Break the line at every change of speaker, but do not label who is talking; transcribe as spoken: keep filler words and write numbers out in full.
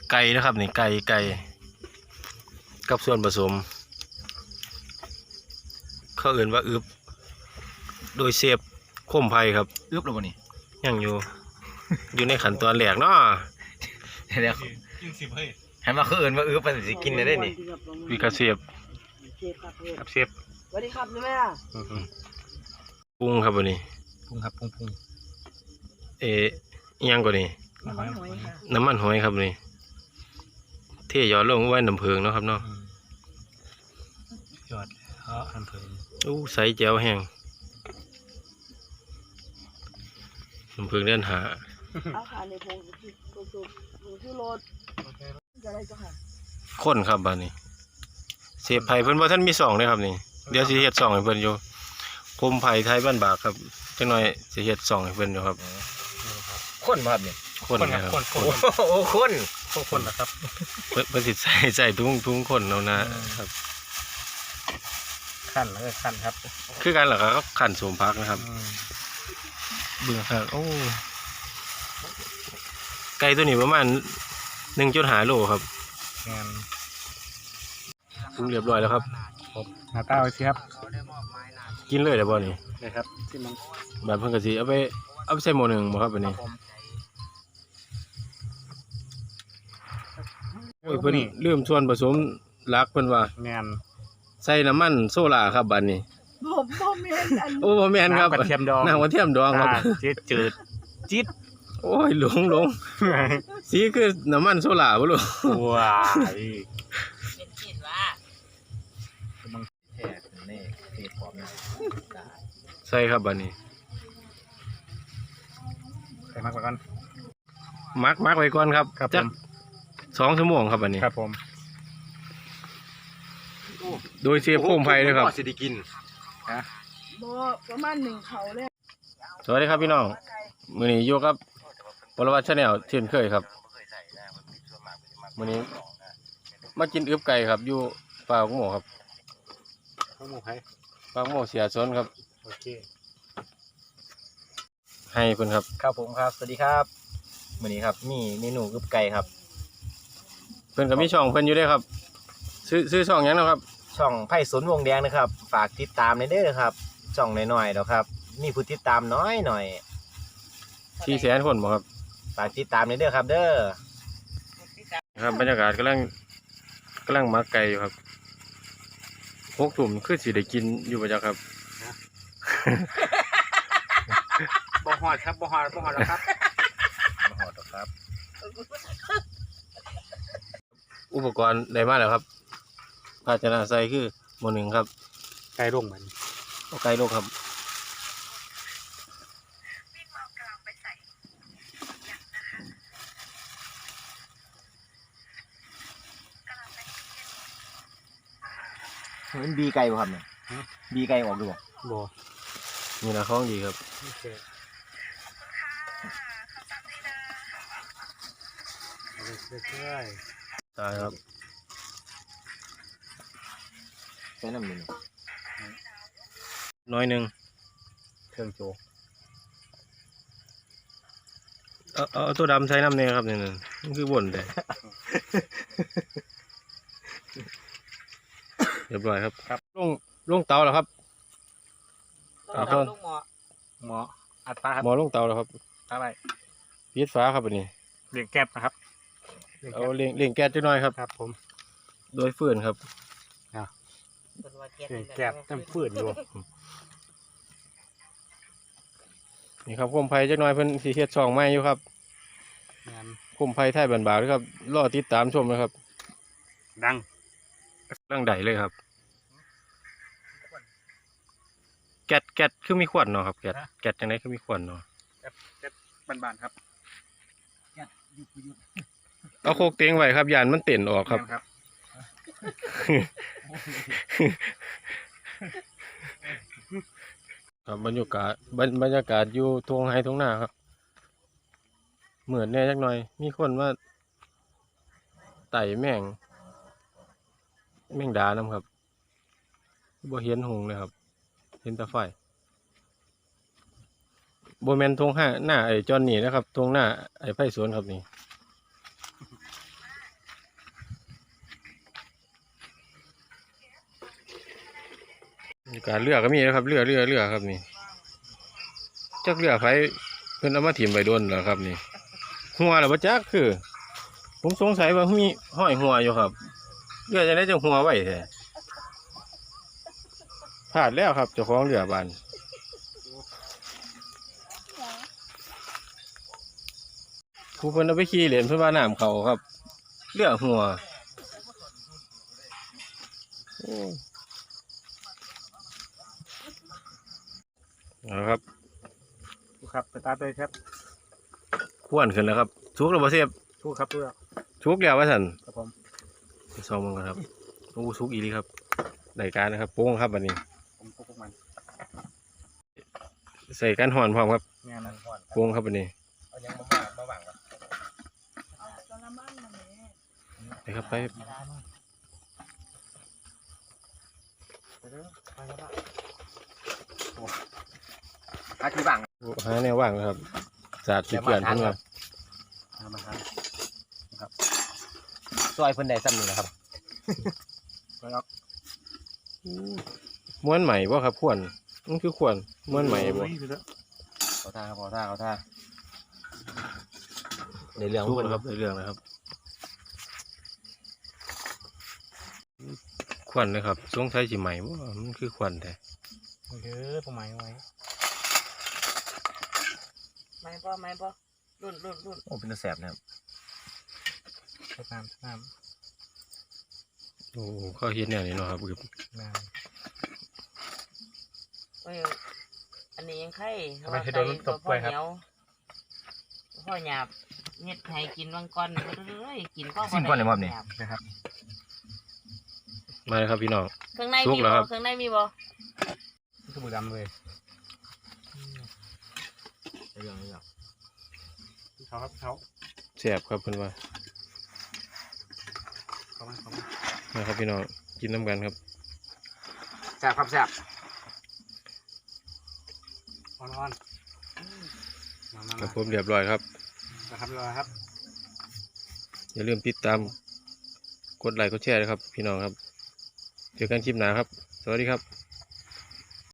ไก่นะครับนี่ไก่ไก่กับส่วนผสมเขาเอื่นว่าอึบโดยเซฟคมไผ่ครับ
อึบหรือเปล่านี่
ยังอยู่ อยู่ในขั้นตอนแรกเนาะ
เดี๋ยวเห็นว่าเขาเอื่นว่าอึบมันสิกินได้นี่
วิกาเซฟครับเซฟ
สวัสดีครับแม่
ปรุงครับวันนี้
ปรุงครับปรุงปรุง
เอ๊ะยังกว่านี้น้ำมันหอยครับนี่เทยอดลงไว้น้ำผึ้งเนาะครับเนาะ
ยอดเพราะน้ำผึ้ง
อู้ใส่แจ่วแห้งน้ำผึ้งเดินหา
เอาขาในพงที่กระสุนหนูชื่อรถจะได้จ้ะค่ะ
ข้นครับบ้านนี้เสียบไผ่เพิ่นว่าท่านมีสองเลยครับนี่เดี๋ยวสิเฮ็ดสองให้เพิ่นอยู่คมไผ่ไทยบ้านบากครับจังหน่อยสิเฮ็ดสองให้เพิ่นอยู่ครับ
ข้นครับเนี่ย
ข้นนะครับ
โอ้ข้นข้นนะครับ
เพิ่นสิใส่ใส่ถุงถุงข้นเอานะครับ
ขั้นแล้วก็ขั้นครับ
คือกันเหรอครับขั้นสมพักนะครับเบิ่งครับโอ้ไก่ตัวนี้ประมาณหนึ่งจุดห้าโลครับ
งาน
ปรุงเรียบร้อยแล้วครับ
หน้าตาไว้สิครับ
กินเลยได้บ่นี่
นะครับที่มัน
แบบเพิ่นก็สิเอาไปเอาไปใส่หม้อหนึ่งบ่ครับบัดนี้โอ้ยเพิ่นลืมส่วนผสมหลักเพิ่นว่า
แม่น
ใส่น้ำมันโซล่าครับบัดนี้
บ่บ่แม่นอัน
โอ้บ่แม่นครับ
กระเทียมดอง
น้ำกระเทียมดองครับ
จืดจืดจิ๊ด
โอ้ยหลงหลงสีคือน้ำมันโซล่าบ่รู้
ว้าย
เป็นกินว่า
มันแท้นี่เทพร้อม
ใส่ครับบัดนี้
ใส่มากกว่ากัน
มักมักไว้ก่อนครับจักสองชั่วโมงครับบัดนี้
ครับผม
โดยเชฟโคมไผ่เลยครับ
สิได้กินฮะ
บ่ประมาณหนึ่งเขาเลย
สวัสดีครับพี่น้องมื้อนี้อยู่กับปรวัติ Channel เช่นเคยครับมื้อนี้มากินอึบไก่ครับอยู่ปากหมูครับ
ปากหมูให้
ปากหมูเสียสนครับ
โอเค
ให้เพิ่นครับ
ครับผมครับสวัสดีครับมื้อนี้ครับมีเมนูอึบไก่ครับ
เพิ่นก็มีช่องเพิ่นอยู่ด้วยครับซื้อซื้อช่องหยังเนาะครับ
ช่องไผ่สนวงแดงนะครับฝากติดตามในเด้อครับช่องน้อยๆเนาะครับมีผู้ติดตามน้อยหน่อย
สี่แสนคนบ่ครับ
ฝากติดตามในเด้อครับเด้อ
ครับบรรยากาศกำลังกำลังมักไก่อยู่ครับหกทุ่มคือสิได้กินอยู่บ่จักครับ
บ่ฮอดครับบ่ฮอดบ่ฮอดแล้วครับบ่ฮอดแล้วครับ
อุปกรณ์ได้มาแล้วครับภาชนะใส่คือหม้อหนึ่งครับ
ไก่ร่งมัน
ไก่ลงครับ
มันบีไก่บ่ครับเนี่ยบีไก่ออกดูบ่
บ่นี่นะของดีครับ
โอเค
ตายครับ
ใส่น้ำหนึ่ง
น้อยหนึ่ง
เครื่องโจ
เอาเอาตัวดำใส่น้ำเนี่ยครับนี่นั่นมันคือบ่นเลยเรียบร้อยครับ
ครับ
ลงลงเตาแล้วครับ
ลงหม้อ
หม้ออัดฟ้าครับ
หม้อลงเตาแล้วครับ
อะไร
ปิดฟ้าครับอันนี้
เลี้ยงแก๊สนะครับ
เอาเลี้ยงเลี้ยงแก๊สจักหน่อยครับ
ครับผม
โดยฟืนครับ
เลี้ยงแก๊สน้ำฟืนอยู่
นี่ครับโคมไผ่จักหน่อยเพิ่นสิเฮ็ดช่องใหม่อยู่ครับโคมไผ่ไทยบ้านบากด้วยครับรอติดตามชมนะครับ
ดัง
ดังใดเลยครับแก๊สแก๊สคือมีขวดเนาะครับแก๊สแก๊สจังได๋คือมีขวดเนาะ
แก๊สแก๊สบานๆครับ
เอาโคกเตียงไว้ครับยานมันเต้นออกครับครับบรรยากาศบรรยากาศอยู่ทุ่งไร่ทุ่งนาครับเหมือนแน่จักหน่อยมีคนว่าไต่แมงแมงดานํครับบ่เห็นหงเลยครับเห็นแต่ไฟบ่แม่นทุ่งหน้าหน้าไอ้จอนนี่นะครับทุ่งหน้าไอ้ไผ่สวนครับนี่บรรยากาศเรือก็มีนะครับเรือเรือเรือครับนี่จักเรือไฟเพิ่นเอามาถิ่มไปโดนเหรอครับนี่หัวเหรอบ่จักคือ ผมสงสัยว่ามีห้อยหัวอยู่ครับเรือจะได้จะหัวไว้แท้พลาดแล้วครับเจ้าของเรือบานผู้เพิ่นเอาไปขี่เหรียญเพื่อว่าน้ำเขาครับเรือหัวโอ้เอาครับ
ครับสตาร์ทเลยครับ
ขวนขึ้นแล้วครับชุกแล้วบ่เสียบ
ชูครับชูครับ
ชุกแล้วว่าซั่น
ครับผม
ไปซองมันก่อนครับโอ้ชุกอีหลีครับได้การนะครับโป้งครับบัดนี้
ผมพวกพวกมัน
ใส่กันห่อนพร้อมครับ
งานนั้นก่อน
โป้งครับบัดนี้
เอายังมาว่างมาว่างก่อน
เอากระมังมาแม่
ไปครับไป
ไปเด้อไปแล้ว
อาคือว่าง
หาแนวว่างนะครับสาดจุดเปลี่ยนเพิ่นว่า
ทำมาทาน
ซอยเพิ่นได้ซ้ำนี่นะครับ
ไปแล้ว
ม้วนใหม่บ่ครับขวนมันคือขวนม้วนใหม่บ่
เขาท่าเขาท่าเขาท่าในเรื่อง
ชุก
เพิ่น
แล้ว
ค
ค
รั
รับ บในเรื่องนะครับขวนนะครับสงสัยสิใหม่บ่มันคือขวนแท้
เด้อผมหมายไว้
ไม่ปอไม่ปอรุ่นรุ่นรุ่น
โอ้เป็นตาแสบนะครับ
น้ำน้
โอ้เขาเฮ็ดแนวนี้เนาะครับคือ
ำน้
เอ้ยอันนี้ยังไข่
ทำไมให้โดนลูกตบกล้วยครับ
เหนียวพ่อหยาบเฮ็ดให้กินวังก้อนเอ้ยกินก็
ซิมก่อนเลยมอบนี่
ำนะครับ
มาเลยครับพี่น้อง
เครื่องใน
สุ
มี
กแล้ว
บ่
ครับ
เครื่องในมีบ่
นี่คือมือดำเลย
ในเรื่องในเรื่อง
เขาครับเขา
แซ่บครับเพิ่นว่า
เขามาเขามา
นะครับพี่น้องกินน้ำกันครับ
แสบครับแสบ
อ่อนอ่อนมามา
ครั
มา
บผมเรียบร้อยครับ
นะครับรอครับ
อย่าลืมติดตามกดไลค์กดแชร์นะครับพี่น้องครับเจอกันคลิปหน้าครับ สวัสดีครับ